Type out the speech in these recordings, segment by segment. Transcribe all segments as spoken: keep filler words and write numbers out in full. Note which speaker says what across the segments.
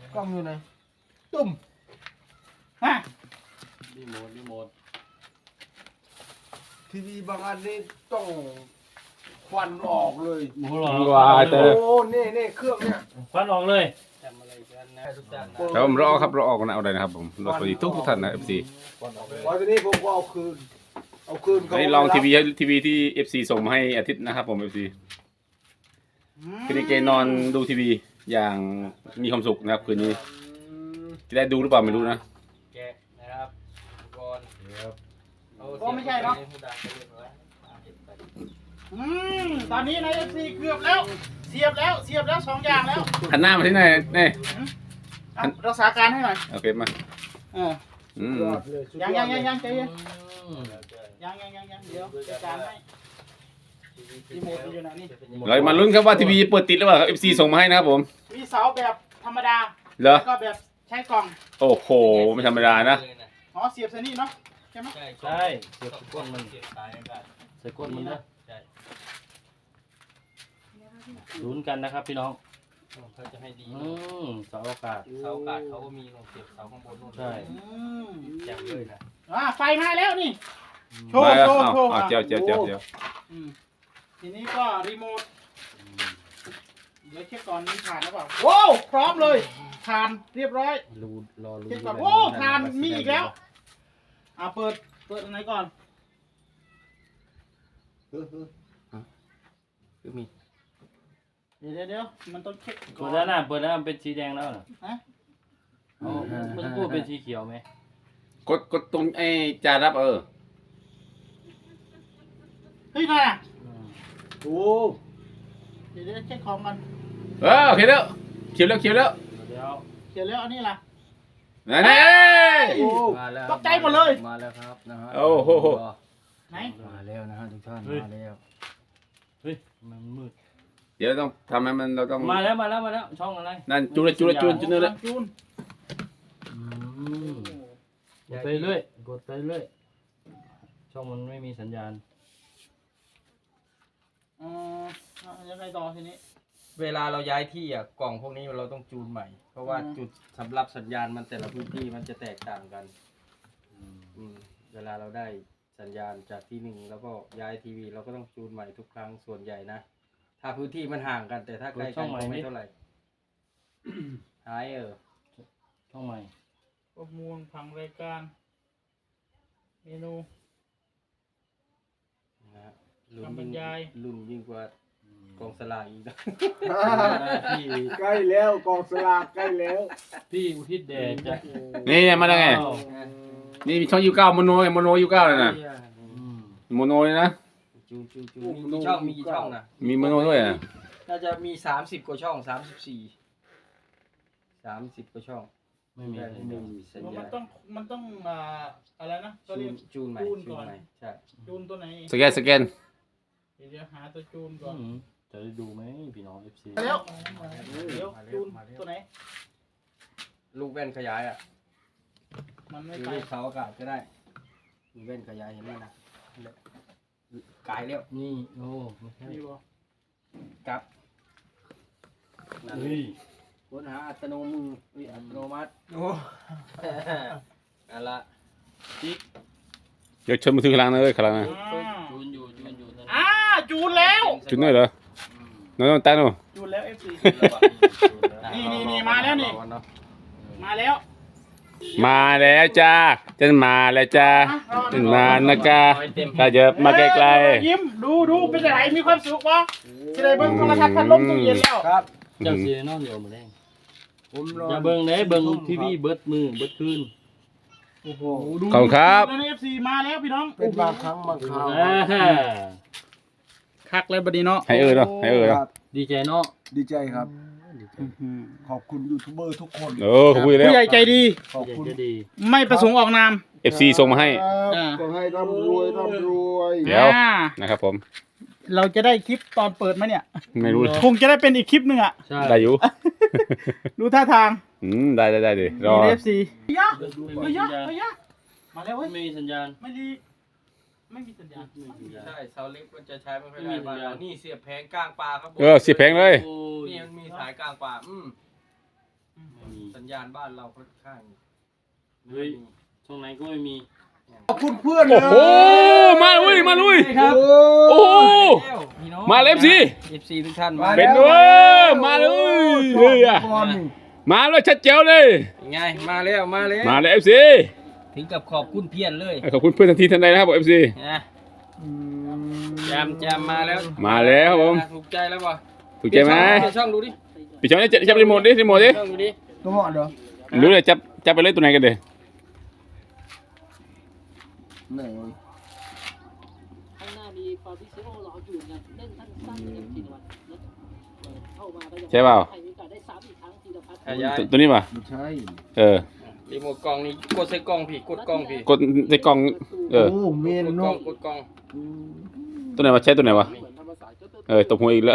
Speaker 1: กล้องอยู่ไหนตุ่มฮะรีโมทรีโมททีวีบางอันนี่ต้องควันออกเลยโอ้เน่เน่เครื่องเนี่ยควันออกเลยจำอะไรกันนะทุกท่านนะครับผมรอครับรอออกนะเอาได้นะครับผมรอสวัสดีทุกทุกท่านนะเอฟซีพอทีนี้ผมก็เอาคืนเอาคืนนี่ลองทีวีทีวีที่เอฟซีส่งมาให้อาทิตย์นะครับผมเอฟซีคืนนี้เกนอนดูทีวีอย่างมีความสุขนะครับคืนนี้จะได้ดูหรือเปล่าไม่รู้นะแกะนะครับก่อนก็ไม่ใช่เนาะอืมตอนนี้ใน เอฟ ซี เกือบแล้วเสียบแล้วเสียบแล้วสองอย่างแล้วหันหน้ามาที่ไหนนี่รักษาการให้หน่อยโอเคมาอืมยังยังยังยังใจเย็นยังยังยังยังเดี๋ยวจัดการให้รีโมทอยู่ไหนนี่เรามาลุ้นครับว่าทีวีเปิดติดหรือเปล่า เอฟ ซี ส่งมาให้นะครับผมมีเสาแบบธรรมดาแล้วก็แบบใช้กล่องโอ้โหไม่ธรรมดานะอ๋อเสียบเซนี่เนาะใช่ไหมใช่เสียบก้นมันเสียบสายกันใส่ก้นมันนะใช่ลุ้นกันนะครับพี่น้องเขาจะให้ดีเสาอากาศเสาอากาศเขาก็มีลงเสียบเสาข้างบนนู่นใช่แจ่มเลยนะอ่าไฟมาแล้วนี่โชว์โชว์โชว์เจียวเจียวเจียวเจียวทีนี้ก็รีโมทเดี๋ยวเช็คก่อนมีถ่านหรือเปล่าโว้วพร้อมเลยถ่านเรียบร้อยรูรอรูเช็คก่อนโว้ถ่านมีอีกแล้วอ่าเปิดเปิดอันไหนก่อนเออเออคือมีเดี๋ยวเดี๋ยวมันต้องเช็คก่อนเปิดแล้วนะเปิดแล้วมันเป็นสีแดงแล้วเหรอฮะอ๋อมันพูดเป็นสีเขียวไหมกดกดตรงไอ้จารับเออเฮ้ยน่ะโอ้เดี๋ยวเช็คของกันเออเขียวแล้วเขียวแล้วเขียวแล้วเดี๋ยวเขียวแล้วอันนี้ล่ะนี่มาแล้วตกใจหมดเลยมาแล้วครับนะฮะโอ้โหไหนมาแล้วนะฮะทุกท่านมาแล้วเฮ้ยมันมืดเดี๋ยวต้องทำให้มันเราต้องมาแล้วมาแล้วมาแล้วช่องอะไรนั่นจูนจูนจูนจูนเลยจูนกดไปเรื่อยกดไปเรื่อยช่องมันไม่มีสัญญาณอ๋อยังไงต่อทีนี้เวลาเราย้ายที่อ่ะกล่องพวกนี้เราต้องจูนใหม่เพราะว่าจุดสำหรับสัญญาณมันแต่ละพื้นที่มันจะแตกต่างกันอืมเวลาเราได้สัญญาณจากที่หนึ่งแล้วก็ย้ายทีวีเราก็ต้องจูนใหม่ทุกครั้งส่วนใหญ่นะถ้าพื้นที่มันห่างกันแต่ถ้าใกล้กันก็ไม่เท่าไหร่หายเออช่องใหม่ประมวลผังรายการเมนูนะฮะลุ้นยิ่งลุ้นยิ่งกว่ากองสลากอีกนะพี่ใกล้แล้วกองสลากใกล้แล้วพี่อุทิศแด่จะนี่มาได้ไงนี่มีช่องยูเก้าโมโนโมโนยูเก้าเลยนะโมโนเลยนะจูนจูนจูนมีกี่ช่องมีกี่ช่องนะมีโมโนด้วยอ่ะน่าจะมีสามสิบกว่าช่องสามสิบสี่สามสิบกว่าช่องไม่มีไม่มีสัญญาณมันต้องมันต้องอ่าอะไรนะก็เรียกจูนใหม่จูนก่อนใช่จูนตัวไหนสแกนสแกนเดี๋ยวหาตัวจูนก่อนจะได้ดูไหมพี่น้อง เอฟ ซี เดี๋ยวเดี๋ยวจูนตัวไหนลูกแว่นขยายอ่ะมันไม่ไปเสาอากาศก็ได้ลูกแว่นขยายเห็นไหมนะกายแล้วนี่โอ้ไม่ใช่กับนี่ค้นหาอัตโนมือวิอัตโนมัติโอ้นั่นละจิ๊กเดี๋ยวชนมาถึงข้างล่างนะเลยข้างล่างนะจูนอยู่จูนอยู่อ่าจูนแล้วจูนด้วยเหรอน้องตั้งหนูจูนแล้ว เอฟ ซี นี่นี่นี่มาแล้วนี่มาแล้วมาแล้วจ้าฉันมาแล้วจ้าฉันมานะกาถ้าเยอะมาไกลๆยิ้มดูดูเป็นไรมีความสุขปะจะได้เบิ้งโทรทัศน์พัดลมตู้เย็นแล้วครับเจ้าเสียนอนอยู่มาแดงอย่าเบิ้งเลยเบิ้งทีวีเบิดมือเบิดคืนโอ้โหดูขอบคุณครับแล้ว เอฟ ซี มาแล้วพี่น้องเป็นบางครั้งบางคราวคักเลยบัดนี้เนาะให้เออเนาะให้เออเนาะดีใจเนาะดีใจครับขอบคุณยูทูบเบอร์ทุกคนเออขอบคุณแล้วผู้ใหญ่ใจดีขอบคุณไม่ประสงค์ออกนาม เอฟ ซี ส่งมาให้ขอให้ร่ำรวยร่ำรวยเดี๋ยวนะครับผมเราจะได้คลิปตอนเปิดไหมเนี่ยไม่รู้คงจะได้เป็นอีกคลิปหนึ่งอ่ะได้อยู่ดูท่าทางอืมได้ได้ได้ดิรอ เอฟ ซี เฮ้ยยะเฮ้ยยะเฮ้ยยะมาแล้วเว้ยไม่มีสัญญาณไม่ดีไม่มีสัญญาณใช่เสาเล็กมันจะใช้ไม่ค่อยได้บ้านนี่เสียบแผงกลางป่าครับเออเสียบแผงเลยนี่มันมีสายกลางป่าอืมสัญญาณบ้านเราค่อนข้างเฮ้ยช่วงไหนก็ไม่มี
Speaker 2: ขอบคุณเพื่อน
Speaker 3: โอ้โหมาลุยมาลุย
Speaker 1: ครับ
Speaker 3: โอ้โหมาเอฟซี
Speaker 1: เอฟซีทุกท่านมา
Speaker 3: เป็นด้วยมาเลยเฮ้ยอะมาเลยชัดเจ๋วเลย
Speaker 1: ไงมาแล้วมาแล้ว
Speaker 3: มาเลยเอฟซี
Speaker 1: ถึงกับขอบคุณเพียนเลย
Speaker 3: ขอบคุณเพื่อนทันทีทันใดนะครับผมเอฟซี
Speaker 1: นะแจมแจมมาแล้ว
Speaker 3: มาแล้วครับผม
Speaker 1: ถูกใจแล้วป่ะ
Speaker 3: ถูกใจไหม
Speaker 1: เปลี่ยนช่องดูดิ
Speaker 3: ปิดช่องนี้จับรีโมทดิรีโมทดิ
Speaker 1: ช่องดูดิ
Speaker 2: ตัวเหมาะเหรอ
Speaker 3: รู้เลยจับจับไปเลยตัวไหนกันเด้
Speaker 2: ไหน
Speaker 4: ข้างหน้ามีฟาบิซิโอรออยู่ไงเล่นสั้นๆเลยทีละวันเข้ามาก็ยัง
Speaker 3: ใช่เปล่า
Speaker 4: ใครมีโอกาสได้ซ้ำอีกครั้งทีละพัด
Speaker 1: ขยาย
Speaker 3: ตัวตัวนี้ป่ะ
Speaker 2: ไม่ใช่
Speaker 3: เออ
Speaker 1: รีโมทกล้องนี่กดใส่กล้องพี่กดกล้องพี่
Speaker 3: กดในกล่องเออ
Speaker 2: โอ้เมน
Speaker 1: กดก
Speaker 2: โน
Speaker 1: ล้องกดกล้อง
Speaker 3: ตัวไหนวะใช้ตัวไหนวะเออตบหัวอีกแล้ว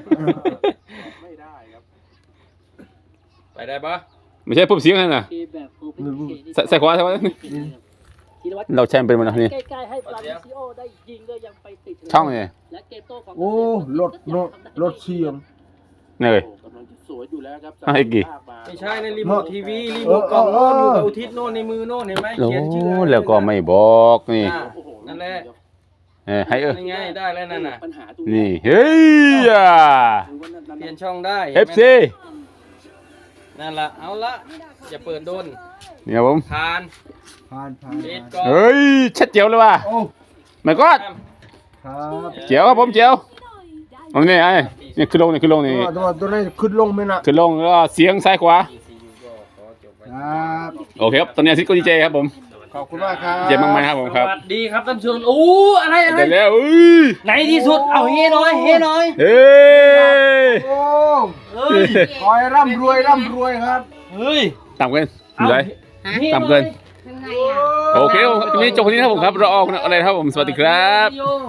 Speaker 1: ไปได้ปะ
Speaker 3: ไม่ใช่ปุ๊บเสียงนั่นน่ะ
Speaker 4: เกมแบบโอเปนเค
Speaker 3: ใส่ใส่ขวาใช่ไหม
Speaker 4: ธีรวัตร
Speaker 3: เราใช้มันเป็นมันนะนี่
Speaker 4: ใกล้ๆให้ฟาบิซิโอได้ยิงก็ยังไปติด
Speaker 3: ช่องเนี่ย
Speaker 4: และเกมโต้ของ
Speaker 2: โอ้รถรถรถเชียง
Speaker 3: นี่เลย
Speaker 4: กำลังจะสวยอยู่แล้วครับ
Speaker 3: อ่ะอีกกี่
Speaker 1: ไม่ใช่ในรีโมททีวีรีโมทกล้องโน่นอยู่กับอุทิศโน่นในมือโน่นเห็นไหม
Speaker 3: โอ้
Speaker 1: เขียนชื่อ
Speaker 3: แล้วก็ไม่บอกนี่
Speaker 1: อ่านั่นแหละ
Speaker 3: เออให้เออ
Speaker 1: ยังไงได้แล้วนั่นน่ะ
Speaker 4: ปัญหาตรง
Speaker 3: นี่เฮ้ยอ่ะ
Speaker 1: เปลี่ยนช่องได้
Speaker 3: เอฟซี
Speaker 1: นั่นละเอาละอย่าเปิดโดน
Speaker 3: นี่ครับผม
Speaker 1: ผ่าน
Speaker 2: ผ่านผ่าน
Speaker 1: เอ็ดก่อน
Speaker 3: เฮ้ยชัดเจ๋วเลยว่ะ
Speaker 2: โอ้
Speaker 3: ไม่ก็
Speaker 2: ครับ
Speaker 3: เจ๋วครับผมเจ๋วเอานี่ไอ้นี่ขึ้นลงนี่ขึ้นลงนี่
Speaker 2: ตัวตัวตัวนี้ขึ้นลงไหมนะ
Speaker 3: ขึ้นลงแล้วก็เสียงซ้ายขวา
Speaker 2: ครับ
Speaker 3: โอเคครับตอนนี้อาทิตย์ก็ดีใจครับผม
Speaker 2: ขอบคุณมากครับ
Speaker 3: เจ๋งมากไหมครับผมครับ
Speaker 1: สวัสดีครับท่านผู้ชมโอ้อะไรอะไร
Speaker 3: แต่แล้วอุ้ย
Speaker 1: ไหนที่สุดเอาเฮหน่อยเฮหน่อย
Speaker 3: เฮ้ย
Speaker 2: โอ้
Speaker 1: เฮ้ย
Speaker 2: ขอให้ร่ำรวยร่ำรวยครับ
Speaker 1: เฮ้ย
Speaker 3: ต่ำเกินอยู่ไหน
Speaker 1: เฮหน่อย
Speaker 3: ต่ำเกินโอเคครับวันนี้จบคนนี้ครับผมครับรอออกอะไรครับผมสวัสดีครับ
Speaker 1: โย